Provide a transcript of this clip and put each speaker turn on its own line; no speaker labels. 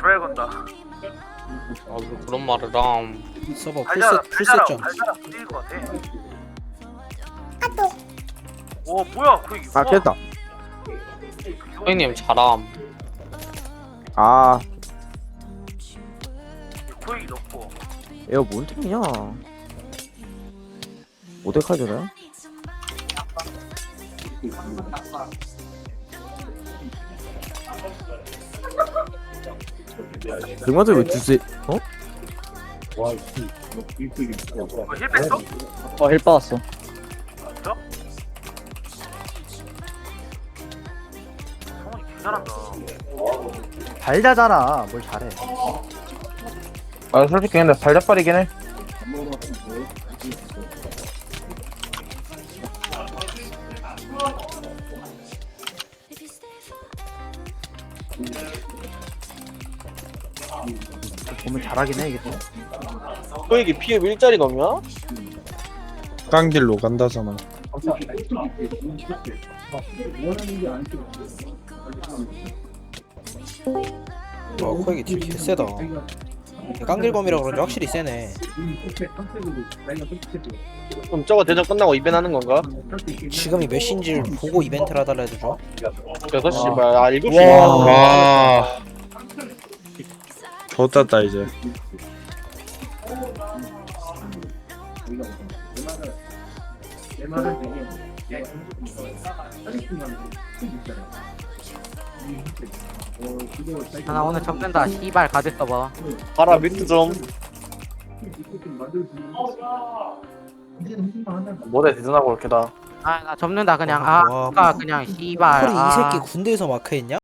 드라이 건다.
아, 그런 말을 함.
서버
달달아,
풀셋점.
달달아 풀릴 것 같아. 오 뭐야 그 이거.
아 깼다.
형님 잘함.
아
코익이 높고.
에어 뭔 템이냐? 모데카이저네? 그마저 왜 주세? 어?
힐 뺐어?
힐 빠졌어.
성훈이 개 잘한다.
달자잖아. 뭘 잘해.
아 솔직히 근데 달걀빨이긴 해.
보면 잘하긴 해 이게 또.
소액이 피해 1짜리 넘냐?
깡딜로 간다잖아.
와 코엑이 딜 개세다. 깡길검이라 그런지 확실히 세네.
그럼 저거 대전 끝나고 이벤 하는 건가?
지금이 몇 시인지를 보고 이벤트를 하달라 해도 좋아?
6시 아 7시
와.
와. 좋았다 이제.
나 오늘 접는다. 씨발 가드 써봐.
봐라 뮤트 좀 뭐래 대전하고 이렇게다
아 나 접는다 그냥.
와,
아까 그냥 씨발.
콜이 이 새끼 군대에서 마크했냐?